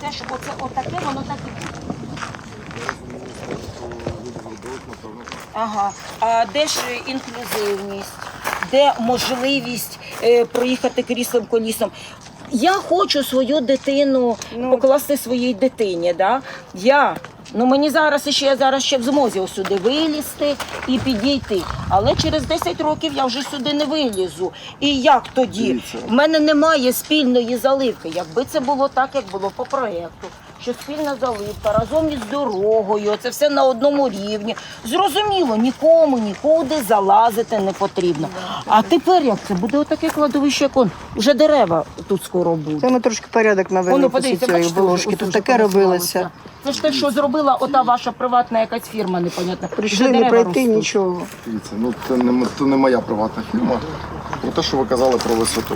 головне, щоб оце отаке, воно так і буде. Ага. А де ж інклюзивність? Де можливість проїхати кріслом колісом? Я хочу свою дитину покласти своїй дитині. Да? Мені зараз я ще в змозі сюди вилізти і підійти. Але через 10 років я вже сюди не вилізу. І як тоді? У мене немає спільної заливки. Якби це було так, як було по проєкту, що спільна заливка разом із дорогою, це все на одному рівні. Зрозуміло, нікому нікуди залазити не потрібно. А тепер як це? Буде отаке кладовище, як вже дерева тут скоро будуть. Це ми трошки порядок навели після цієї волошки. Тут таке робилося. Це ж те, що зробила ота ваша приватна якась фірма, непонятна. Прийшли не пройти нічого. Дивіться, це не моя приватна фірма. Про те, що ви казали про висоту.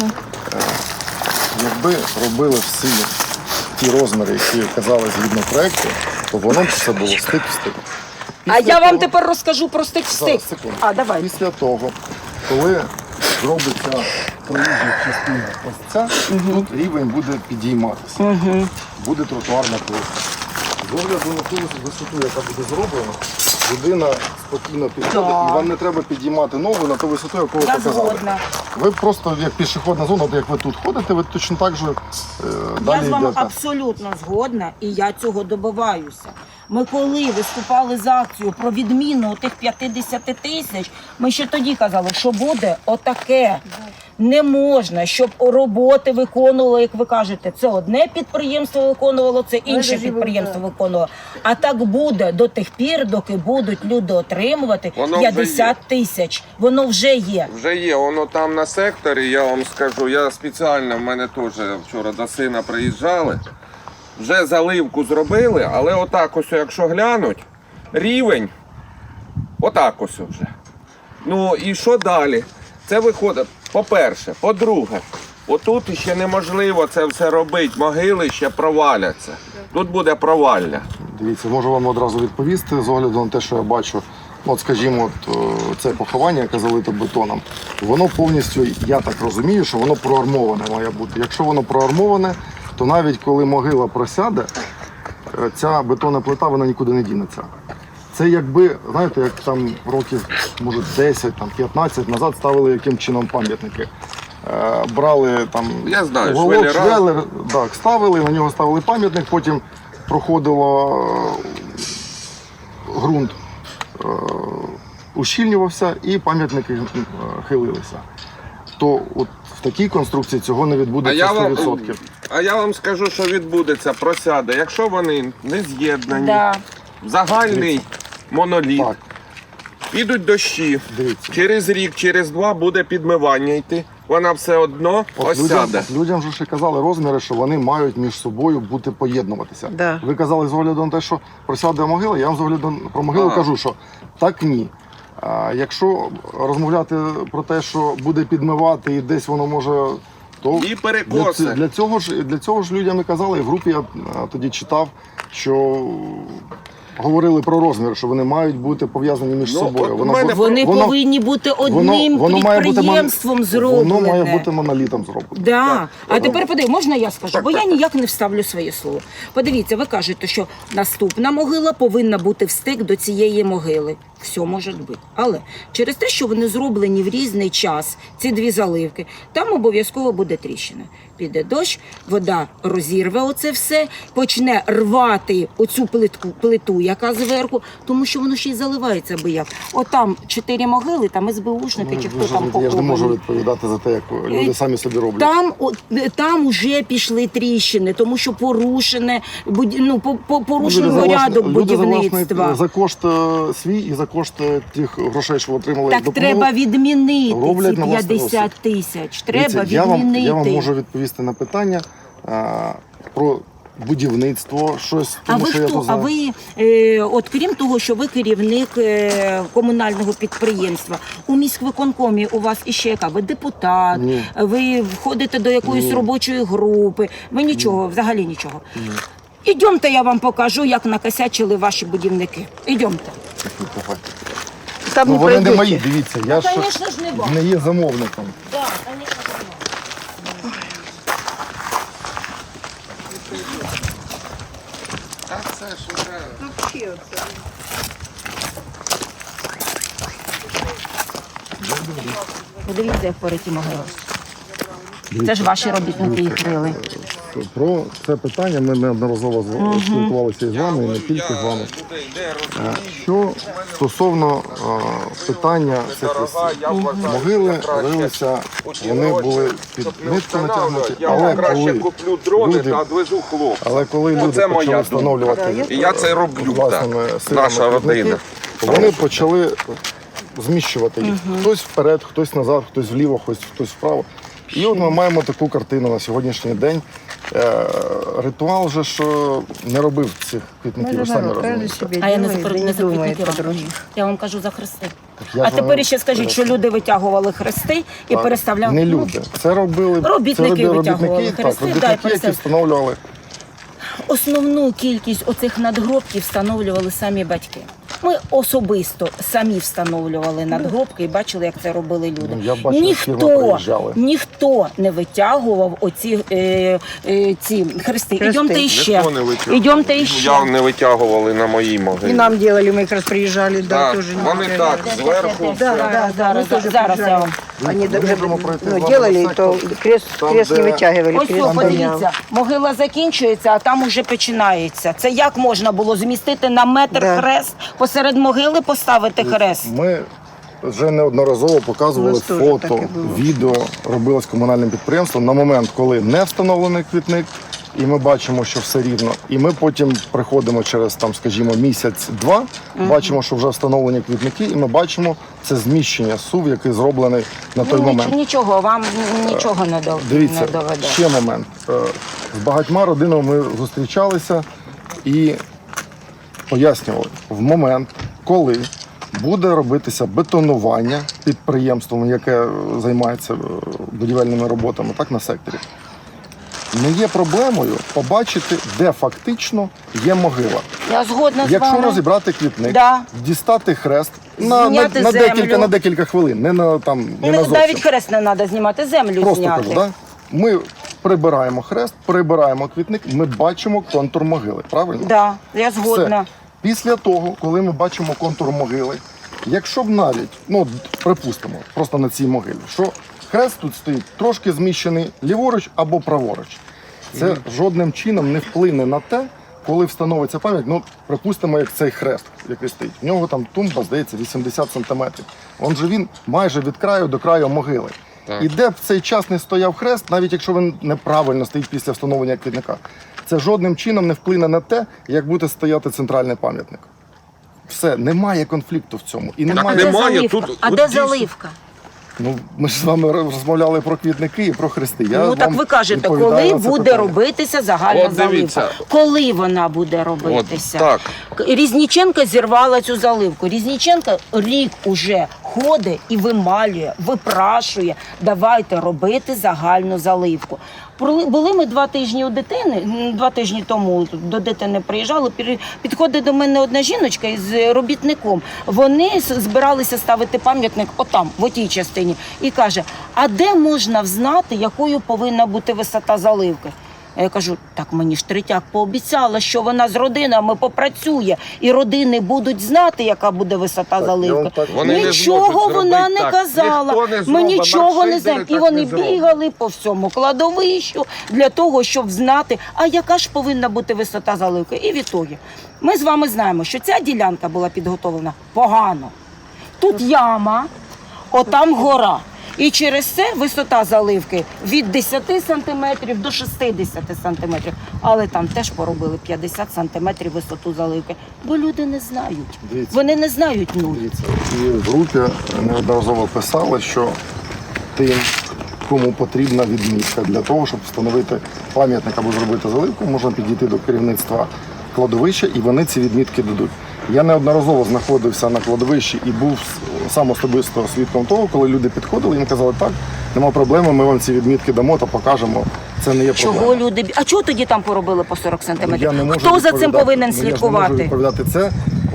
Якби робили всі ті розміри, які казали згідно проєкту, то воно б все було стик в стик. А я вам тепер розкажу про стик-стик. Давай. Після того, коли зробиться проїжджа частина ось ця, тут рівень буде підійматися. Буде тротуарна плитка. З огляду на ту висоту, яка буде зроблена, людина спокійно підходить, і вам не треба підіймати ногу на ту висоту, яку ви показали. Згодна. Ви просто, як пішохідна зона, як ви тут ходите, ви точно так же далі Я з вами йдете. абсолютно згодна, і я цього добиваюся. Ми коли виступали з акцією про відміну тих 50 тисяч, ми ще тоді казали, що буде отаке. Не можна, щоб роботи виконувало, як ви кажете, це одне підприємство виконувало, це інше підприємство виконувало. А так буде до тих пір, доки будуть люди отримувати 50 тисяч. Воно вже є. Вже є, воно там на секторі, я вам скажу, я спеціально, в мене теж вчора до сина приїжджали, вже заливку зробили, але отак ось, якщо глянуть, рівень, отак ось вже. Ну і що далі? Це виходить, по-перше. По-друге, отут ще неможливо це все робити, могили ще проваляться. Тут буде провалля. Дивіться, можу вам одразу відповісти з огляду на те, що я бачу. От, скажімо, це поховання, яке залите бетоном, воно повністю, я так розумію, що воно проармоване має бути. Якщо воно проармоване, то навіть коли могила просяде, ця бетонна плита, вона нікуди не дінеться. Це якби, знаєте, як там років, може, 10, там, 15 назад ставили яким чином пам'ятники. Брали там уголок, швелер, так, ставили, на нього ставили пам'ятник, потім проходило ґрунт, ущільнювався і пам'ятники хилилися. То от в такій конструкції цього не відбудеться 100%. А я вам скажу, що відбудеться, просяде. Якщо вони не з'єднані, загальний моноліт, Так. підуть дощі, Дивіться. через рік, через два буде підмивання йти, вона все одно осяде. Людям же ще казали розміри, що вони мають між собою бути поєднуватися. Да. Ви казали з огляду на те, що просяде могила, я вам з огляду про могилу кажу, що так ні. Якщо розмовляти про те, що буде підмивати і десь воно може, то І перекоси. для цього ж людям і казали, і в групі я тоді читав, що говорили про розмір, що вони мають бути пов'язані між собою. Вони повинні бути одним підприємством зроблені. Воно має бути монолітом зроблено. Да. А тепер подивіться, можна я скажу? Бо я ніяк не вставлю своє слово. Подивіться, ви кажете, що наступна могила повинна бути в стик до цієї могили. Все може бути. Але через те, що вони зроблені в різний час, ці дві заливки, там обов'язково буде тріщина. Піде дощ, вода розірве оце все, почне рвати оцю плиту, яка зверху, тому що воно ще й заливається аби як. Отам 4 могили, там СБУшники чи хто там похований. Я ж не можу відповідати за те, як люди самі собі роблять. Там вже пішли тріщини, тому що порушений порядок будівництва. За кошт свій і за кошт тих грошей, що отримали. Так треба відмінити ці 50 тисяч. Треба відмінити. Я вам можу відповісти на питання про будівництво, щось, тому що я то знаю. А ви, от крім того, що ви керівник комунального підприємства, у міськвиконкомі у вас іще яка? Ви депутат, Ні. ви входите до якоїсь робочої групи, ви нічого, взагалі нічого. Ні. Ідемте, я вам покажу, як накосячили ваші будівники. Ідемте. Там не Вони не пройдете. мої, дивіться, я ж Звісно ж, не вам. не є замовником. Так, звісно, не вам. Подивіться, як пориті могили. Це ж ваші робітники їх рили. Про це питання ми неодноразово спілкувалися із вами, і не тільки з вами. Що стосовно питання цих лісів. Могили рилися, вони були під нитку натягнуті, але коли люди Оце моя почали встановлювати І я це роблю, власними так. силами Наша квітники, родина. вони почали зміщувати їх. Хтось вперед, хтось назад, хтось вліво, хтось вправо. І от ми маємо таку картину на сьогоднішній день. Ритуал же ж не робив цих квітників, ви самі розумієте. А я не за квітники вам кажу. Я вам кажу за хрести. Я А ж тепер вам ще скажіть, що люди витягували хрести і Так, переставляли. не люди. Це робили Робітники витягували робітники, хрести, так, да, і робітники, які встановлювали. Основну кількість оцих надгробків встановлювали самі батьки. Ми особисто самі встановлювали надгробки і бачили, як це робили люди. Ну, я бачив, як фірма приїжджали. Ніхто не витягував оці ці хрести. Ідемте іще. Ніхто не витягував. Ідемте іще. Я не витягували на моїй И могилі. нам делали, мы как раз приезжали, да, Так, тоже. вони так, зверху. Да, Зараз, мы тоже зараз я вам. Они Ми даже можемо пройти з ну, вами делали, на то сектор. крест, Там, крест не де- вытягивали. Ось крест о, там подивіться, могила закінчується, а там уже починається. Це як можна було змістити на метр Да. хрест, посеред могили поставити хрест? Ми вже неодноразово показували У нас теж фото, таке було. відео робилось комунальним підприємством на момент, коли не встановлений квітник, і ми бачимо, що все рівно. І ми потім приходимо через там, скажімо, місяць-два, бачимо, що вже встановлені квітники, і ми бачимо це зміщення СУВ, який зроблений на той момент. Нічого, вам нічого не Дивіться, не доведе. ще момент. З багатьма родинами ми зустрічалися і пояснювали, в момент, коли буде робитися бетонування підприємством, яке займається будівельними роботами, так, на секторі, не є проблемою побачити, де фактично є могила. Я згодна з Якщо вами. розібрати квітник, Да. дістати хрест Зняти на землю. декілька хвилин, не на зовсім. Навіть хрест не треба знімати, землю Просто зняти. кажу, да? Ми прибираємо хрест, прибираємо квітник, ми бачимо контур могили, правильно? Да, я згодна. Все. Після того, коли ми бачимо контур могили, якщо б навіть, ну припустимо, просто на цій могилі, що хрест тут стоїть трошки зміщений ліворуч або праворуч, це жодним чином не вплине на те, коли встановиться пам'ять, ну припустимо, як цей хрест, який стоїть. В нього там тумба, здається, 80 сантиметрів. Он же він майже від краю до краю могили. Так. І де б в цей час не стояв хрест, навіть якщо він неправильно стоїть після встановлення квітника, це жодним чином не вплине на те, як буде стояти центральний пам'ятник. Все, немає конфлікту в цьому. І А немає. де немає, заливка? тут А от де дійсно. заливка? Ну, ми ж з вами розмовляли про квітники і про хрести. Я Ну так вам ви кажете, відповідаю коли на це буде питання. робитися загальна От дивіться. заливка? Коли вона буде робитися? так. Різніченко зірвала цю заливку. Різніченко рік уже ходить і вималює, випрашує. Давайте робити загальну заливку. Були ми 2 тижні у дитини, 2 тижні тому до дитини приїжджали, підходить до мене одна жіночка із робітником. Вони збиралися ставити пам'ятник отам, в отій частині. І каже, а де можна взнати, якою повинна бути висота заливки? А я кажу, так мені ж Третяк пообіцяла, що вона з родинами попрацює, і родини будуть знати, яка буде висота заливки. Вони не Нічого зможуть вона зробити не так. казала. Ніхто не Ми зробить, нічого не знаємо. маркшейдери І так вони не зроблять. бігали по всьому кладовищу для того, щоб знати, а яка ж повинна бути висота заливки. І відтоді ми з вами знаємо, що ця ділянка була підготовлена погано. Тут яма, отам гора. І через це висота заливки від 10 сантиметрів до 60 сантиметрів. Але там теж поробили 50 сантиметрів висоту заливки. Бо люди не знають. Дивіться. Вони не знають нуль. Дивіться, і в групі неодноразово писали, що тим, кому потрібна відмітка для того, щоб встановити пам'ятник або зробити заливку, можна підійти до керівництва кладовища, і вони ці відмітки дадуть. Я неодноразово знаходився на кладовищі і був сам особисто свідком того, коли люди підходили, їм казали, так, нема проблеми, ми вам ці відмітки дамо та покажемо. Це не є проблема. Чого люди... А чого тоді там поробили по 40 Я сантиметрів? не можу Хто за цим відповідати. повинен Ну, я ж не можу слідкувати? відповідати це.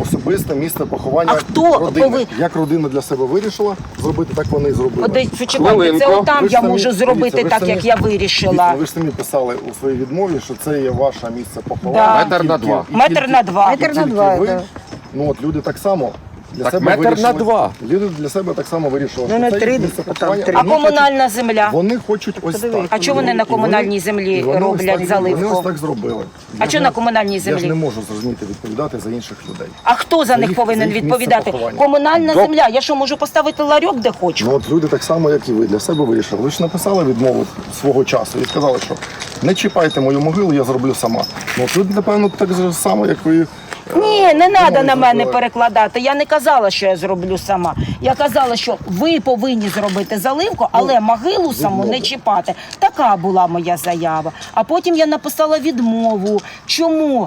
особисте місце поховання А хто родини. Як родина для себе вирішила зробити, так вони і зробили. Почекайте, це Хвилинку. отам Ви ж я самі- можу зробити дивіться, ви ж так, самі- як я вирішила. Ви ж самі писали у своїй відмові, що це є ваше місце поховання. Да. Метр на два. Метр на два. Метр на Тільки два, ви, да. ну от люди так само для Так себе метр вирішили. на два. Люди для себе так само вирішили, Ну, що на це три, їх місце там поховання. три. А Вони комунальна земля? Вони хочуть ось так. А чого вони на комунальній землі роблять заливку? Вони ось так зробили. А чого на комунальній Я ж землі? не можу, зрозуміти, відповідати за інших людей. А хто за За них їх- повинен за їх відповідати? місце поховання. Комунальна земля. Я що, можу поставити ларьок, де хочу? Ну от люди так само, як і ви, для себе вирішили. Ви ж написали відмову свого часу і сказали, що не чіпайте мою могилу, я зроблю сама. Ну от люди, напевно, так же само, як ви. Ні, не треба на мене зробили. перекладати. Я не казала, що я зроблю сама. Я казала, що ви повинні зробити заливку, але могилу саму не відмови. чіпати. Така була моя заява. А потім я написала відмову. Чому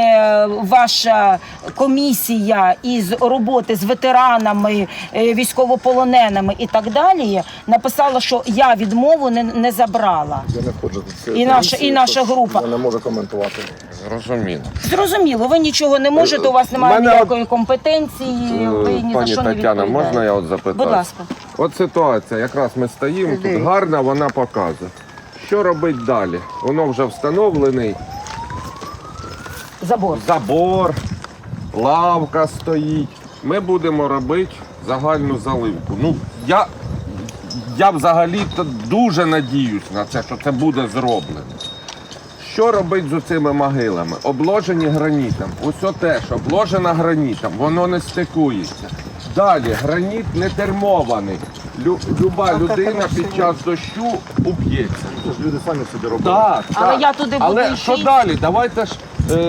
ваша комісія із роботи з ветеранами, військовополоненими і так далі написала, що я відмову не забрала. Я не входжу до цієї І наша- комісії, і наша тож група. Я не можу коментувати. Зрозуміло. Зрозуміло, ви нічого не можете, у вас немає мене ніякої компетенції, ви ні за Пані що не Тетяна, відповідаєте. можна я от запитаю? Будь ласка. От ситуація, якраз ми стоїмо, тут гарна, вона показує. Що робити далі? Воно вже встановлений Забор. забор, лавка стоїть. Ми будемо робити загальну заливку. Ну, я взагалі-то дуже надіюсь на це, що це буде зроблено. Що робити з цими могилами? Обложені гранітом. Усе те, що обложено гранітом, воно не стикується. Далі, граніт не термований. Люба людина під час дощу уп'ється. Це ж люди самі собі робили. Так, Але так. я туди буду Але йти. що далі? Давайте ж,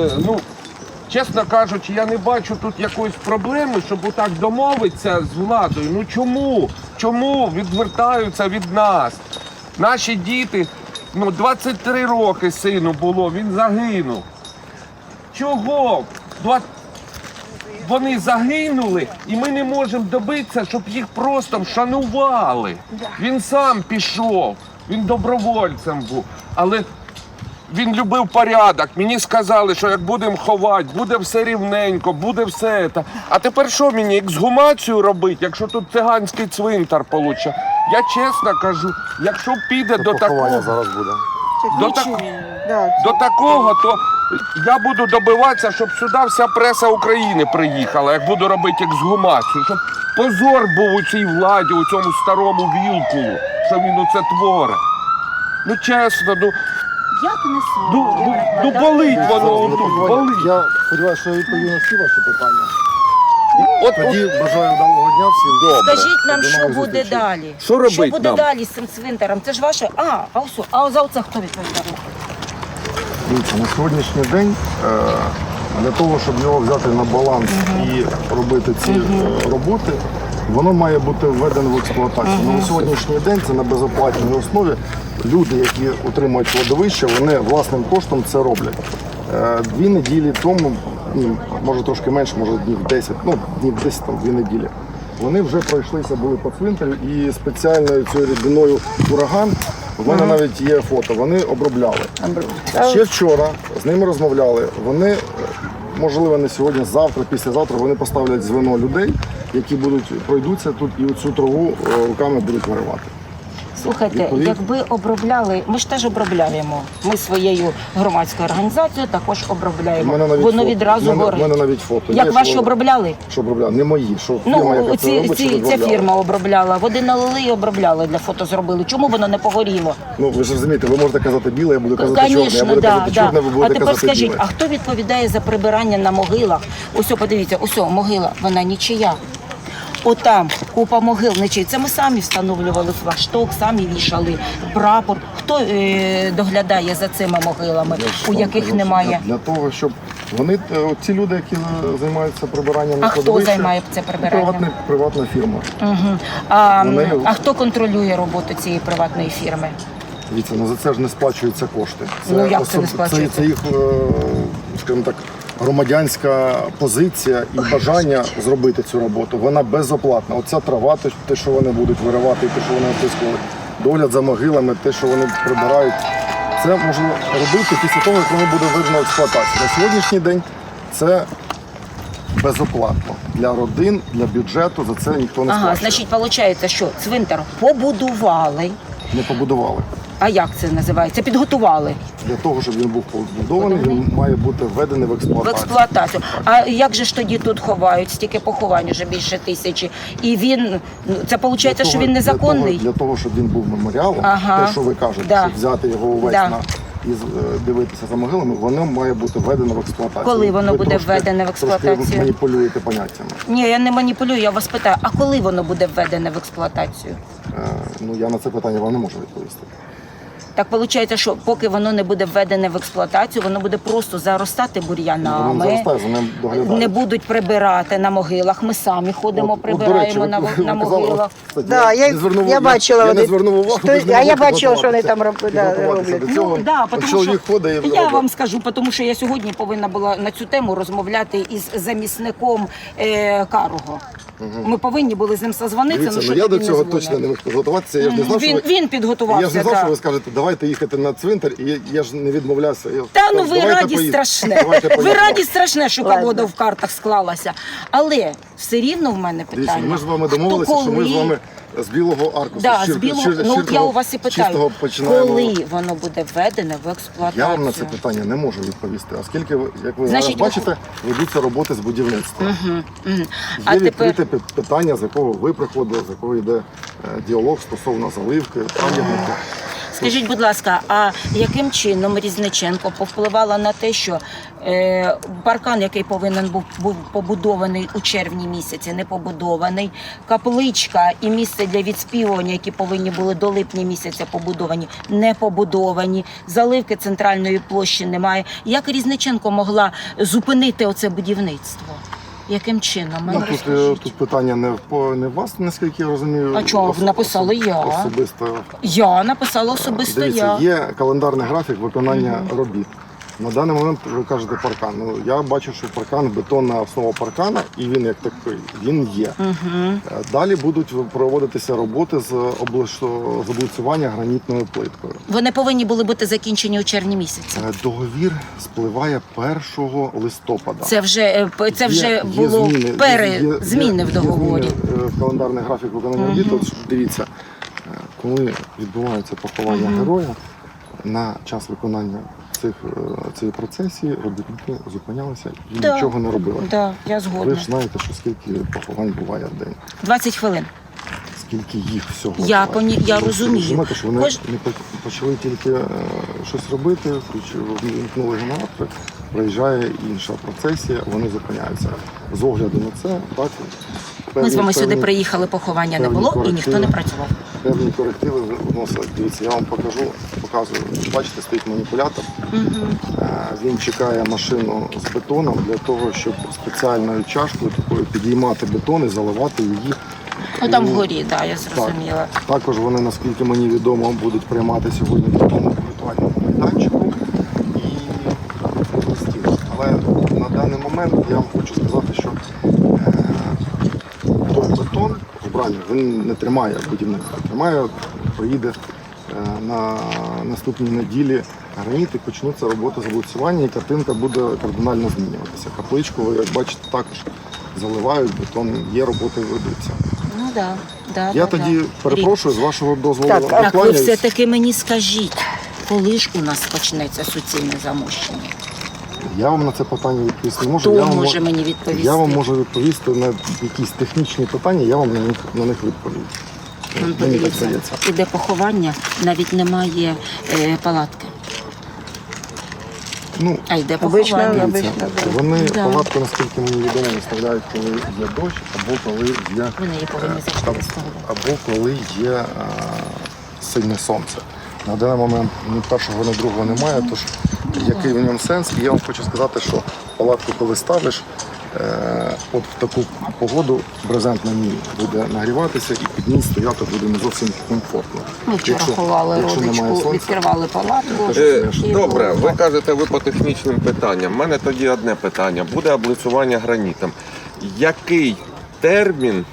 чесно кажучи, я не бачу тут якоїсь проблеми, щоб отак домовитися з владою. Ну чому? Чому відвертаються від нас? Наші діти, 23 роки сину було, він загинув. Чого? Вони загинули, і ми не можемо добитися, щоб їх просто вшанували. Він сам пішов, він добровольцем був, але він любив порядок. Мені сказали, що як будемо ховати, буде все рівненько, буде все це. А тепер що мені, ексгумацію робити, якщо тут циганський цвинтар получить? Я чесно кажу, якщо піде до Поховання такого, зараз буде. до такого, то я буду добиватися, щоб сюди вся преса України приїхала, як буду робити ексгумацію, щоб позор був у цій владі, у цьому старому Вілкулу, що він оце творить. Ну чесно, Як не болить воно тут, болить. Я сподіваюся, що я відповів на всі ваші питання. От, Тоді бажаю вдалого дня всім. Добре. Скажіть нам, До що нових буде зустрічей. далі? Що робить Що буде нам? далі з цим цвинтарем? Це ж ваше. А за оце хто відповідає? Дивіться, на сьогоднішній день для того, щоб його взяти на баланс і робити ці роботи, воно має бути введено в експлуатацію. На сьогоднішній день це на безоплатній основі. Люди, які утримують кладовище, вони власним коштом це роблять. 2 неділі тому, може трошки менше, може днів 10, днів 10, 2 неділі. Вони вже пройшлися, були по цвинтарю і спеціальною цією рідиною ураган, в мене навіть є фото, вони обробляли. Ще вчора з ними розмовляли, вони, можливо, не сьогодні, завтра, післязавтра, вони поставлять звено людей, які пройдуться тут і оцю траву руками будуть виривати. Слухайте, якби обробляли, ми ж теж обробляємо. Ми своєю громадською організацією також обробляємо. Воно відразу У мене горить. навіть фото. Як є, ваші що- обробляли? Що обробляли? Не мої. Що фірма, яка це робить, що Ця обробляла. фірма обробляла. Води налили і обробляли, для фото зробили. Чому воно не погоріло? Ну, ви ж розумієте, ви можете казати біле, я буду казати чорне. Я Звісно, буду казати чорне, ви А будете тепер казати скажіть, біле. а хто відповідає за прибирання на могилах? Ось, подивіться, ось могила, вона нічия. Отам купа могил нічиї. Це ми самі встановлювали флагшток, самі вішали прапор. Хто доглядає за цими могилами, у яких немає? Для того, щоб вони, ці люди, які займаються прибиранням на А хто кладовище, займає це прибиранням? Приватна фірма. Угу. Вони- А хто контролює роботу цієї приватної фірми? Дивіться, за це ж не сплачуються кошти. Ну, як це не сплачується? Це їх, скажімо так, громадянська позиція і бажання зробити цю роботу. Вона безоплатна. Оця трава, те, що вони будуть виривати, те, що вони опискували, догляд за могилами, те, що вони прибирають, це можна робити після того, як воно буде введено в експлуатацію. На сьогоднішній день це безоплатно. Для родин, для бюджету за це ніхто не Ага, сплачує. значить, виходить, що цвинтар побудували. Не побудували. А як це називається? Підготували Для того, щоб він був побудований, він має бути введений в в експлуатацію. експлуатацію. А як же ж тоді тут ховають? Стільки поховань, вже більше 1000. І він, це виходить, що він незаконний? Для того, щоб він був меморіалом, Ага. те, що ви кажете, Да. щоб взяти його увесь Да. і дивитися за могилами, воно має бути введено в експлуатацію. Коли воно Ви буде введене в експлуатацію? Трошки маніпулюєте поняттями. Ні, я не маніпулюю, я вас питаю, а коли воно буде введене в експлуатацію? Ну, я на це питання вам не можу відповісти. Так виходить, що поки воно не буде введене в експлуатацію, воно буде просто заростати Воно бур'янами. заростає, за ним доглядають. Не будуть прибирати на могилах. Ми самі ходимо, От, до речі, прибираємо ви на казали, могилах. кстати, Да, не звернув- я бачила, я не вони- звернув увагу. що- ви ж не а я могли бачила, що вони підготуватися. там Підготуватися роблять. до цього. Ну, да, От тому чоловік що ходить і я робить. вам скажу, тому що я сьогодні повинна була на цю тему розмовляти із замісником Карого. Ми повинні були з ним созвонитися. Дивіться, що ну я тоді до цього дзвонив. точно не міг підготуватися. Я ж не знав, що ви... Він підготувався. Я ж не знав, да. що ви скажете, давайте їхати на цвинтар, і я ж не відмовлявся. Я Та ну сказав, ви давайте раді поїдемо. страшне. Давайте Ви поїдемо. раді страшне, що Ладно. погода в картах склалася. Але все рівно в мене Дивіться, питання. ми ж з вами хто домовилися, що ми коли? з вами з білого аркусу, Да, з з білого, чистого- ну от я у вас і питаю, чистого починаємо. коли воно буде введене в експлуатацію? Я вам на це питання не можу відповісти, оскільки, як ви Значить, зараз бачите, ведуться роботи з будівництва. А Є тепер відкрите питання, з якого ви приходили, з якого йде діалог стосовно заливки, пам'ятника. скажіть, будь ласка, а яким чином Різниченко повпливала на те, що паркан, який повинен був побудований у червні місяці, не побудований, капличка і місце для відспівування, які повинні були до липня місяця побудовані, не побудовані, заливки центральної площі немає. Як Різниченко могла зупинити оце будівництво? Яким чином? Мене Ну, розкажіть. тут питання не в вас, наскільки я розумію. А чого? Написала я. Особисто. Я написала особисто Дивіться, я. є календарний графік виконання робіт. На даний момент ви кажете паркан. Ну, я бачу, що паркан, бетонна основа паркана, і він як такий, він є. Далі будуть проводитися роботи з облицювання гранітною плиткою. Вони повинні були бути закінчені у червні місяці. Договір спливає 1 листопада. Це вже Є було зміни, зміни в договорі. Є зміни в календарний графік виконання робіт. От дивіться, коли відбувається поховання героя, на час виконання цієї процесії робітники зупинялися і Да. нічого не робили. Да, я Ви згодна. ж знаєте, що скільки поховань буває в день, 20 хвилин. скільки їх всього. Я буває. я Ви розумію. розумієте, що вони Кож- не почали тільки щось робити, вімкнули генератори, приїжджає інша процесія, вони зупиняються. З огляду на це, так, Ми з вами сюди певні- приїхали, поховання не певні було і ніхто корективи. не працював. Певні корективи вносили. Дивіться, я вам показую. Бачите, стоїть маніпулятор. Він чекає машину з бетоном для того, щоб спеціальною чашкою такою підіймати бетон і заливати її. Ну там у- вгорі, да, я зрозуміла. Також вони, наскільки мені відомо, будуть приймати сьогодні в такому ритуальному майданчику і листів. Але на даний момент я вам хочу сказати, що той бетон вбраний, він не тримає будівництва. Тримає, поїде на наступній неділі граніт і почнуться роботи з облицювання, і картинка буде кардинально змінюватися. Капличку, ви як бачите, також заливають, бетон, є роботи ведуться. Ну да, да. Я да, тоді да. перепрошую, з вашого дозволу Так, Так, ви покланяюсь. все-таки мені скажіть, коли ж у нас почнеться суцільне замощення? Я вам на це питання відповісти не можу. Хто Я вам може мені відповісти? Я вам можу відповісти на якісь технічні питання, я вам на них відповім. Ну, Мені так подивіться, здається. іде поховання, навіть немає палатки. Ну, А йде Обично, поховання. дивіться, да. вони Да. палатку, наскільки мені відомо, виставляють, коли є дощ, або коли є Вони її повинні завжди виставляти. або коли є сильне сонце. На даний момент ні першого, ні другого немає, тож який в ньому сенс? І я вам хочу сказати, що палатку, коли ставиш, от в таку погоду брезент на ній буде нагріватися і під ній стояти буде не зовсім комфортно. Ми вчора ховали якщо немає родичку, сонця, відкривали палатку. і Добре, було. ви кажете, ви по технічним питанням. У мене тоді одне питання. Буде облицювання гранітом. Який термін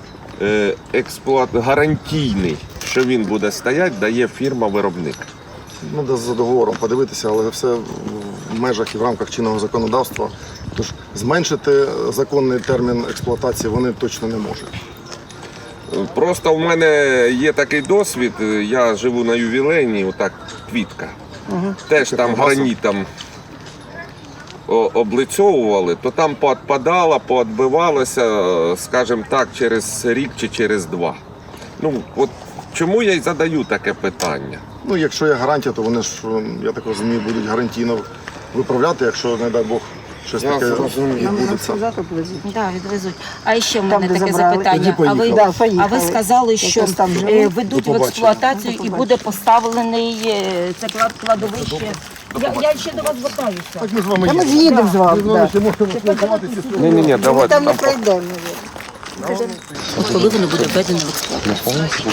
гарантійний, що він буде стояти, дає фірма-виробник? ну, де за договором подивитися, але все в межах і в рамках чинного законодавства. Тож зменшити законний термін експлуатації вони точно не можуть. Просто в мене є такий досвід, я живу на ювілейній, отак квітка. Теж там гранітом облицьовували, то там поотпадало, поотбивалося, скажімо так, через рік чи через два. Ну, от чому я й задаю таке питання? Ну, якщо є гарантія, то вони ж, я так розумію, будуть гарантійно виправляти, якщо, не дай Бог, щось Я таке зрозумів. відбудеться. Да, відвезуть. А ще в мене Там, де таке забрали. запитання. Тоді поїхали. Да, поїхали. А ви сказали, що Якось там живуть. ведуть До в побачення. експлуатацію До і побачення. буде поставлений це кладовище. Я ще до вас звертаюся. Так ми з вами Та ми їдемо. з'їдемо з вами. да. Ні, давайте. Там не пройдемо. От коли воно буде введено в експлуатацію?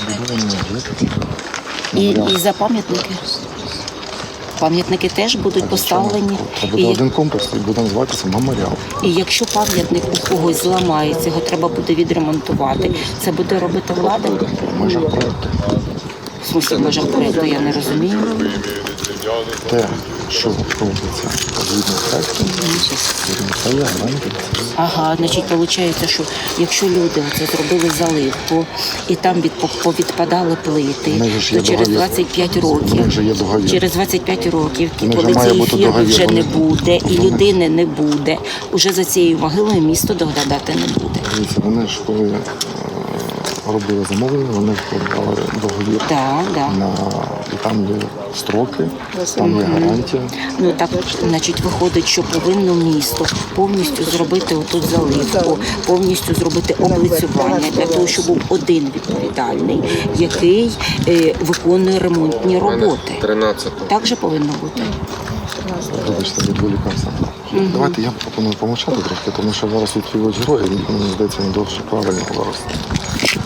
І за пам'ятники? Пам'ятники теж будуть поставлені. Це буде один комплекс і буде називатися меморіал. І якщо пам'ятник у когось зламається, його треба буде відремонтувати, це буде робити влада? В межах проєкту. В смысле, в межах проєкту, я не розумію. Те, що робиться згідно проєкту, це є гарантія. Ага, значить, виходить, що якщо люди оце зробили заливку і там повідпадали плити, В них же ж є то через договір. 25 В років, них же є договір. через 25 років, В них же коли має цієї бути фірми договір, вже не вони- буде і вони- людини не буде, уже за цією могилою місто доглядати не буде. Дивіться, вони ж коли робили замовлення, вони вкладали договір. Так, так. І там є строки, там є гарантія. Ну так, значить, виходить, що повинно місто повністю зробити отут заливку, повністю зробити облицювання для того, щоб був один відповідальний, який виконує ремонтні роботи. 13. Так же повинно бути. Вибачте, відволікався. Давайте я пропоную помовчати трохи, тому що зараз відкривають герої, мені здається, не дуже правильно зараз.